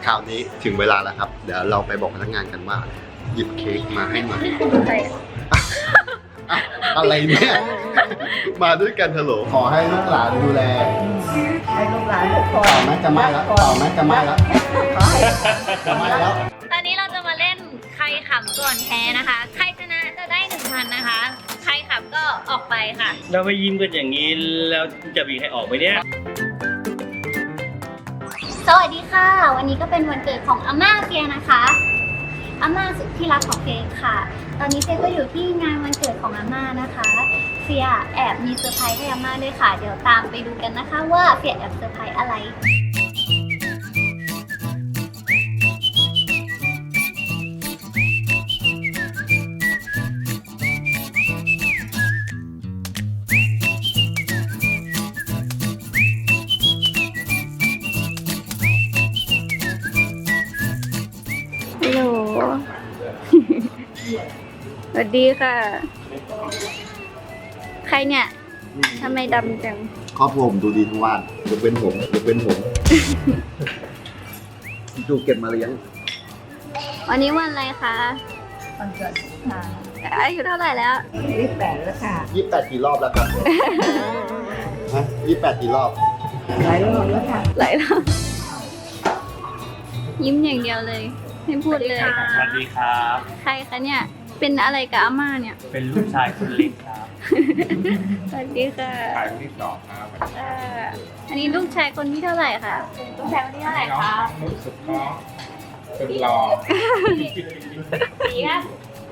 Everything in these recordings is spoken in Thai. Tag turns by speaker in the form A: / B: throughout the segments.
A: คราวนี้ถึงเวลาแล้วครับเดี๋ยวเราไปบอกพนักงานกันว่าหยิบเค้กมาให้หน่อยอะไรเนี่ยมาด้วยกันเถอะโหลขอให้ลูกหลานดูแล
B: ให้ลูกหลานทุกคน
A: เป่าไหมจะไหม้แล้วเป่าไหมจะไหม้แล้ว
B: ขอให้
A: จะไหม้แล้ว
C: ตอนนี้เราจะมาเล่นใครขำก่อนแพ้นะคะ ใครชนะจะได้ 1,000 นะคะ ใครขำก็ออกไปค่ะ
D: เราไปยิ้มกันอย่างนี้แล้วจะมีใครออกไหมเนี่ย
C: สวัสดีค่ะ วันนี้ก็เป็นวันเกิดของอาม่าเฟียนะคะอาม่าสุดที่รักของเฟียค่ะ ตอนนี้เฟียก็อยู่ที่งานวันเกิดของอาม่านะคะเฟียแอบมีเซอร์ไพรส์ให้อาม่าด้วยค่ะเดี๋ยวตามไปดูกันนะคะว่าเฟียแอบเซอร์ไพรส์อะไรฮัลโหล สวัสดีค่ะ ใครเนี่ย ทำไมดำจัง
A: ครอบครัวผมดูดีทั้งวันยกเว้นผมดูเก็บมาเลี้ยง
C: วันนี้วันอะไรคะ
B: วันเกิดค่ะ
C: อายุเท่าไหร่แล้ว
B: 28แล้วค่ะ
A: 28 กี่รอบแล้วครับ ฮะ28 กี่รอบ
B: หลายรอบแล้วค่ะ
C: หลายรอบยิ้มอย่างเดียวเลย ไม่พูดเลย
D: สวัสดีครับ
C: ใครคะเนี่ย เป็นอะไรกับอาม่าเนี่ย
D: เป็นลูกชายคนเล็กครับ
C: สวัสดีค่ะ
D: ชายคนที่สองครับ
C: อันนี้ลูกชายคนที่เท่าไหร่คะลูกชายคนที่เท่าไหร่คะ
D: สุดน้องสุดหล่อ
C: สีครับ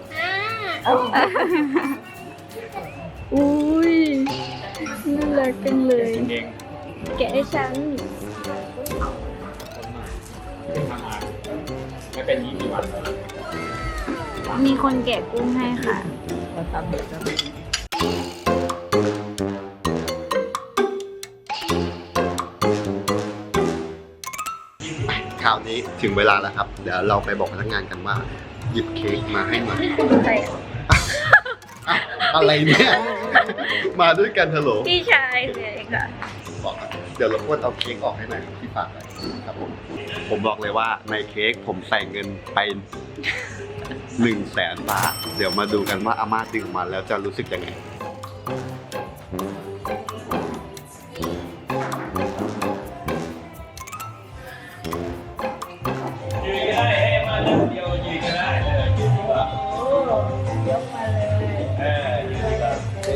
C: อุ้ยน่ารักจังเลย
D: เอง
C: แกะให้ฉัน
D: ทำงานไม่เป็น20 วันแล้ว
C: มีคนแกะกุ้งให้ค่ะ
B: เราทำเด็กแล้ว
A: คราวนี้ถึงเวลาแล้วครับเดี๋ยวเราไปบอกพนักงานกันว่าหยิบเค้กมาให้หน่อย อะไรเนี่ยมาด้วยกันเถอะโหล
C: พี่ชายเลยค่ะ
A: บอกครับเดี๋ยวรบกวนเอาเค้กออกให้หน่อยครับที่ฝากไว้ครับผมบอกเลยว่าในเค้กผมใส่เงินไป100,000 บาทเดี๋ยวมาดูกันว่าอาม่าดึงออกมาแล้วจะรู้สึกยังไง
D: ยืนก็ได้ให้มาเรื่องเดียวยืนก็ได้เลยยืนดีกว่า
B: โอ้ยกมาเลย
D: ยืนดีกว่า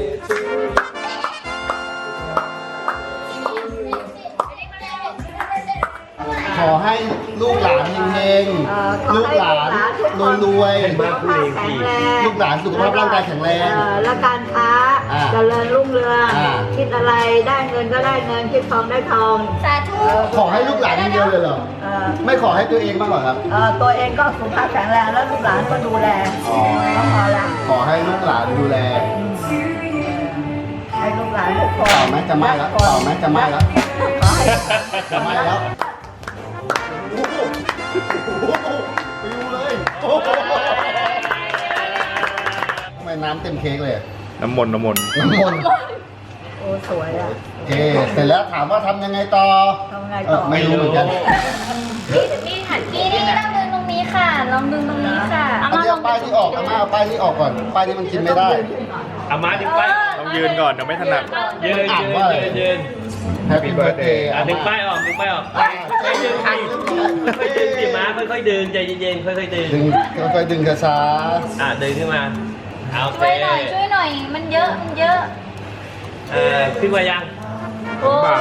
A: ขอให้ลูกหลานเฮงๆลูกหลานรวยๆ
B: แข็งแรง
A: ลูกหลานสุขภาพร่างกายแข็งแรง
B: และการค้าเจริญรุ่งเรืองคิดอะไรได้เงินก็ได้เงินคิดทองได้ทอง
C: สาธุ
A: ขอให้ลูกหลานอย่างเดียวเลยเหรอ
B: เอ่อ
A: ไม่ขอให้ตัวเองบ้างเหรอครับ
B: ตัวเองก็สุขภาพแข็งแรงแล้วลูกหลานก็ดูแล
A: อ๋อ
B: ก็พอละ
A: ขอให้ลูกหลานดูแล
B: ให้ลูกหลานทุกคน
A: เป่าไหมจะไหม้แล้วเป่าไหมจะไหม้แล้ว
B: ขอให้
A: จะไหม้แล้วโอ้โหไปดูเลยโอ้โหทำไมน้ำเต็มเค้กเลยอะ
D: น้ำมนต์
A: น้ำมนต์
B: โอ้สวยอ่ะ
A: โอเคเสร็จแล้วถามว่าทำยังไงต่อ
B: ทำไงต่อ
A: ไม่รู้เหมือนกัน
C: นี่ค่ะนี่ต้องดึงตรงนี้ค่ะ ลองดึงตรงนี้ค่ะ
A: เอาเดี๋ยวป้ายที่ออกอาม่าเอาป้ายที่ออกก่อนป้ายนี้มันกินไม่ได้
D: อามาดึงป้ายต้องยืนก่อนเดี๋ยวไม่ถนัดยืน
A: อ่านว่าอะไร
D: ยืน
A: Happy Birthday
D: ดึงป้ายออกค่อยๆดึงค่อยๆดึงสิม้าค่อยๆดึงใจเย็นๆค่อยๆดึง
A: ดึงค่อยๆดึงช้า
D: ดึงขึ้นมาโอเค
C: ช่วยหน่อย มันเยอะ
D: ขึ้นมายัง
C: โอ้ย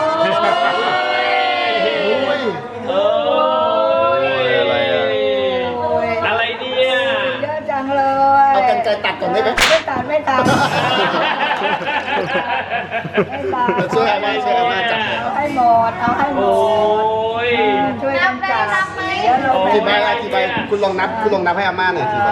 A: ๆอุ้ย
D: โอ้ย
A: อะไรอะ
D: อะไรเนี่ย
B: เยอะจังเลย
A: เอากันไกรตัดก่อนได้ไหม
B: ไม่ตัดไม่ตัด
A: ช่วยอาม่าจับหน่อยค
B: เอา
A: รับ
B: ให้หมดเอาให้หม
D: โอ้
B: ด
D: ย
B: ช่วยกันจับเดี๋ยวเรา
A: กี่ใบอะกี่ใบคุณลองนับให้อาม่าหน่อยกี่ใบ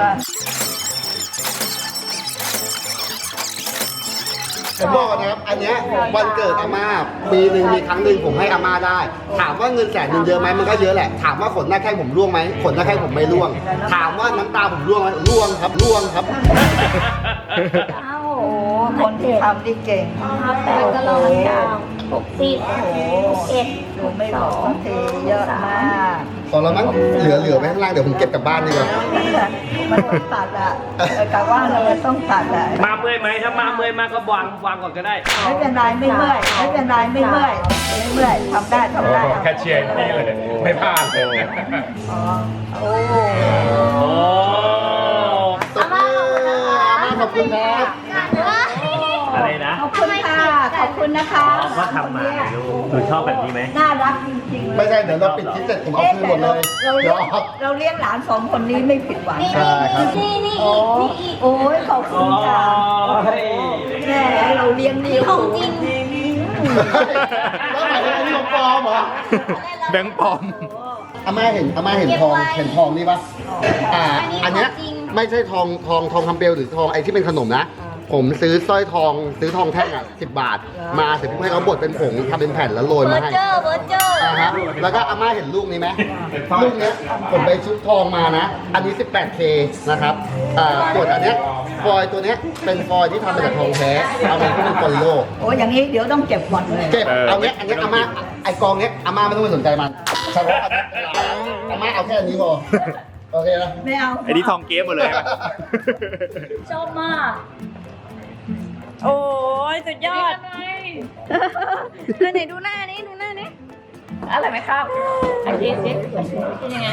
A: ผมบอกนะครับ อันเนี้ยวันเกิดอาม่าปีหนึ่งมีครั้งหนึ่งผมให้อาม่าได้ ถามว่าเงิน100,000เยอะไหมมันก็เยอะแหละ ถามว่าขนหน้าแข้งผมร่วงไหมขนหน้าแข้งผมไม่ร่วง ถามว่าน้ำตาผมร่วงไหมร่วงครับร่วงครับ
C: อ้าว
B: โอ้คนที่ทำนี่เก่ง
C: 8ก็ลอง60
B: โอ้โห
C: 61
B: ดูไม่บอกสักทีเยอะมาก
A: พอแล้วมั้งเหลือไว้ข้างล่างเดี๋ยวผมเก็บกลับบ้านดีกว่า
B: มันต้องตัดอ่ะกะว่าเราต้องตัดอ่ะ
D: มาเมื่อยไหมถ้ามาเมื่อยมากก็วางก่อนก็ได้
B: ไม่เป็นไรไม่เมื่อยไม่เป็นไรไม่เมื่อยไม่เมื่อยทำได้ทำได้
E: แค่เชียร์นี่เลย ไม่พลาดเลย
B: โอ้
D: โอ้
A: ตบมืออาม่าขอบคุณครับ
D: อะไรนะ
B: ขอบคุณค่ะขอบคุณนะคะ
D: ก็ทำมาลูกหนูชอบแบบนี้ไหม
B: น่ารักจริงๆ
A: ไม่ใช่เดี๋ยวเราปิดคลิปเสร็จผมเอาคืนหมดเลย
B: เราเลี้ยงหลานสองคนนี้ไม่ผิดหวัง
A: ใช่ครับ
C: นี่
B: โอ้โอ้ยขอบคุณค่ะ
D: ย
B: แม่เราเลี้ยงดี
C: ของจริง
A: แล้วหมายถึงอันนี้ของปลอมเหรอ
E: แบงค์ปลอม
A: อาม่าเห็นทองนี่ปะอันเนี้ยไม่ใช่ทองคำเปลวหรือทองไอ้ที่เป็นขนมนะ ผมซื้อสร้อยทองแท่งอ่ะ10 บาท มาเสร็จปุ๊บให้เขาบดเป็นผงทำเป็นแผ่นแล้วโรย
C: เบอ
A: มา
C: ร์
A: ให้
C: เจอร์เบอร์เจอร์
A: ครับแล้วก็อาม่าเห็นลูกนี้ไหมลูกเนี้ยผมไปชุบทองมานะ อันนี้ 18K นะครับส่วนอันเนี้ยฟอยล์ตัวเนี้ยเป็นฟอยล์ที่ทำมาจากทองแท้เอามาที่เป็นโปลิโล
B: โอ้อย่างนี้เดี๋ยวต้องเก็บก่อนเลย
A: เก็บเอาเนี้ยอันเนี้ยอาม่าไอกองเนี้ยอาม่าไม่ต้องไปสนใจมันเฉพาะอาม่าเอาแค่อันนี้พอโอเคนะ
B: ไม่เอา
E: ไอ้นี่ทองเก๊หมดเลยอะ
C: ชอบมาก
F: โอ้ยสุดยอดไหนดูหน้านี้ดูหน้านี้
B: อะไรไหมครับอันนี้สิ
F: เป็นยังไง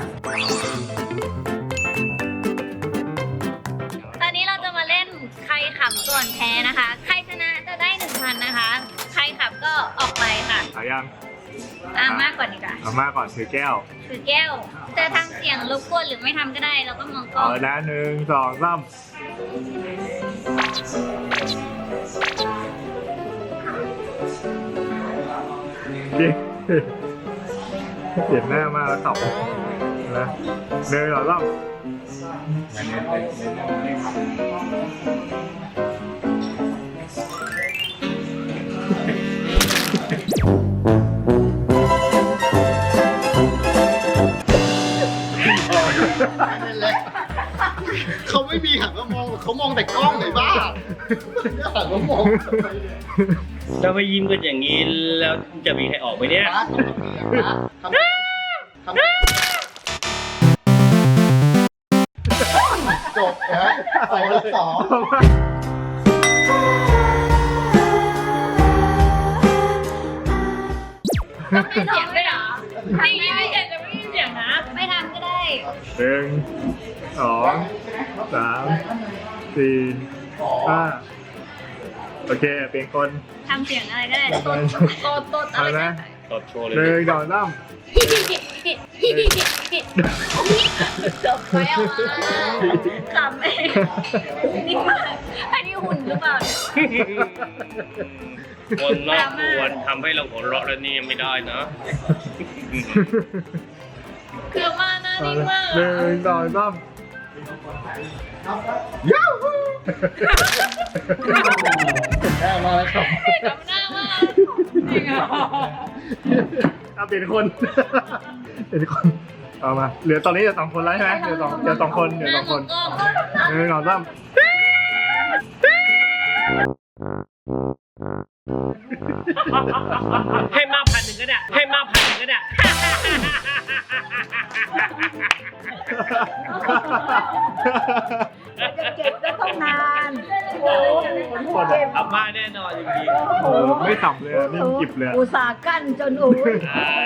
C: ตอนนี้เราจะมาเล่นใครขับก่อนแพ้นะคะ ใครชนะจะได้ 1,000 นะคะ ใครขับก็ออกไปค่ะ
E: เอายัง
C: มากกว่านี้ค่ะ
E: เอามาก่อนถือแก้ว
C: ถือแก้วจะทำเสียงรบกวนหรือไม่ทำก็ได้ เราก็มองกล้
E: เอา
C: อง
E: นะ1 2 3เปลี่ยนหน้ามากแล้วขับนะ1 2 3
A: นั่นแหละเขาไม่มีหันมามองเขามองแต่กล้องเลยบ้าหันมามอง
D: ถ้าไม่ยิ้มกันอย่างนี้แล้วจะมีใครออกไหมเนี่ย
A: ทำจบนะ2-2
C: ต้องมีเสียงด้วยเหรอไม่ยิ้มไม่เสียงจะไม่มีเสียงนะ ไม่ทำก็ได้
E: 1 2 3 4 5โอเคเปลี่ยนคน
C: ทำเสียงอะไรก็ได้
F: ตดอะไร
E: เอานะ
D: ตดโชว์เลย
E: 1 2 3
F: จบไปเอามา
C: ขำเองนี่มากอันนี้หุ่นหรือเปล่าเนี่ย
D: คนนอกควรทำให้เราหัวเราะแล้วนี่ยังไม่ได้นะ
F: คือมาหน้านิ่งมาก
E: 1 2 3
A: ย้าฮูได้มาแล้วครับ
F: จำหน้ามากจริงอ่ะ
E: เอาเปลี่ยนคนเปลี่ยนคนเอามาเหลือตอนนี้เหลือ2 คนแล้วใช่ไหมเหลือสองคนเหลือ
F: หน้า
E: 2
F: ม
E: ค
F: อง
E: น
F: กล้อง
E: 1 2 3
D: ให้มาก1,000ก็ได้ให้มาก1,000ก็ได้
B: จะเก็บก็ต้องนานโอ้
D: อาม่าแน่นอนจริง
E: โอ้ไม่สับเลยอะนิ่งกิบเลยอะ
B: อุตส่าห์กั้นจนอุ้ย
D: ๆอ่า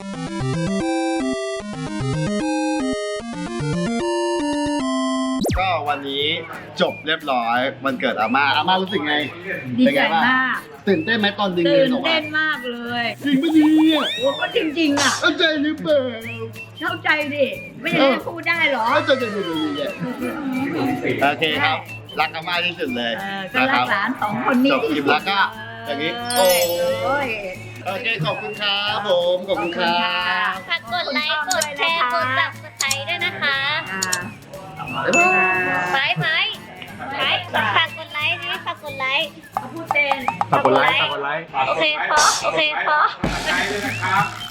A: ก็วันนี้จบเรียบร้อยวันเกิดอาม่ารู้สึกไง
B: ดี
A: เป็น
B: ใจ
A: ไงบ้าง
B: มาก
A: ตื่นเต้นไหมตอนดึง
B: ตื่น
A: ออกมา
B: เต้นมากเลย
A: จริงปะเนี่ย
B: โอ้ก็จริงๆอ่ะ
A: เข้าใจหรือเปล่า
B: เข้าใจดิไม่ได้พูดได้เหรอ
A: เข้าใจโอเคครับ รักอาม่าที่สุดเลย
B: ก็รักหลานสองคนนี้
A: จบคลิปแล้วก็อย่างนี้โอ้
B: ย
A: โอเคขอบคุณครับผมขอบคุณครับ
C: ฝากกดไลค์ กดแชร์ กด subscribe ด้วยนะคะ ไปฝากกดไลค์นี่ฝากกดไลค์
B: พูดเป็น
E: ฝากกดไลค์
C: โอเคพอ
E: ฝากกดไลค์